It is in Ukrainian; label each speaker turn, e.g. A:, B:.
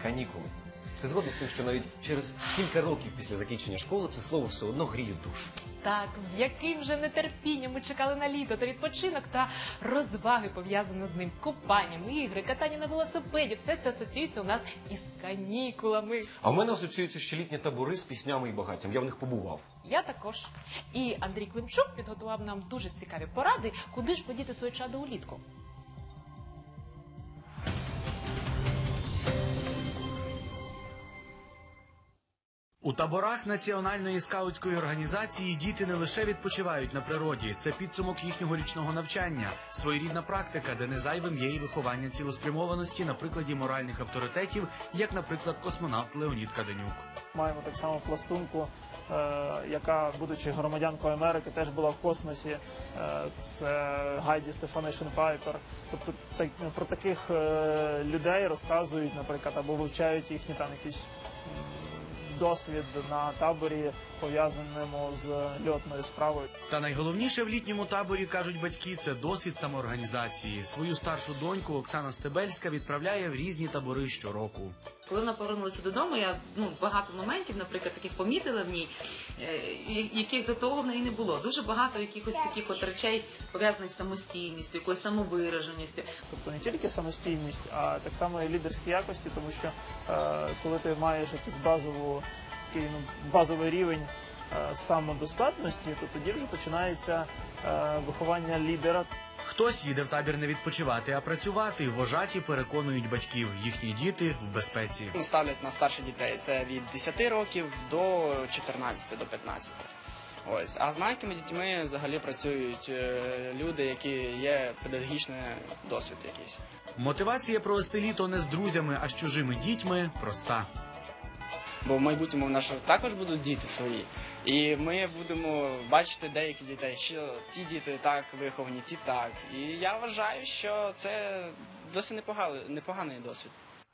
A: канікули. Ти згодна з тим, що навіть через кілька років після закінчення школи це слово все одно гріє душу?
B: Так, з яким же нетерпінням ми чекали на літо та відпочинок та розваги, пов'язані з ним. Купання, ігри, катання на велосипеді. Все це асоціюється у нас із канікулами.
A: А в мене асоціюються ще літні табори з піснями і багаттям. Я в них побував.
B: Я також. І Андрій Климчук підготував нам дуже цікаві поради, куди ж подіти своє чадо улітку.
C: У таборах Національної скаутської організації діти не лише відпочивають на природі. Це підсумок їхнього річного навчання, своєрідна практика, де не зайвим є і виховання цілеспрямованості на прикладі моральних авторитетів, як, наприклад, космонавт Леонід Каденюк.
D: Маємо так само пластунку, яка, будучи громадянкою Америки, теж була в космосі. Це Гайді Стефанишин Пайпер. Тобто про таких людей розказують, наприклад, або вивчають їхні там якісь досвід на таборі, пов'язаному з льотною справою.
C: Та найголовніше в літньому таборі, кажуть батьки, це досвід самоорганізації. Свою старшу доньку Оксана Стебельська відправляє в різні табори щороку.
E: Коли вона повернулася додому, я багато моментів, наприклад, таких помітила в ній, яких до того в неї не було. Дуже багато якихось таких от речей, пов'язаних з самостійністю, якоюсь самовираженістю.
D: Тобто не тільки самостійність, а так само і лідерські якості, тому що коли ти маєш якийсь базовий рівень самодостатності, то тоді вже починається виховання лідера.
C: Хтось їде в табір не відпочивати, а працювати. Вожаті переконують батьків, їхні діти в безпеці.
F: Ставлять на старших дітей, це від 10 років до 14, до 15. Ось. А з маленькими дітьми взагалі працюють люди, які є педагогічний досвід якийсь.
C: Мотивація провести літо не з друзями, а з чужими дітьми проста.
F: Бо в майбутньому в нас також будуть діти свої. І ми будемо бачити деяких дітей, що ті діти так виховані, ті так. І я вважаю, що це досить непоганий досвід.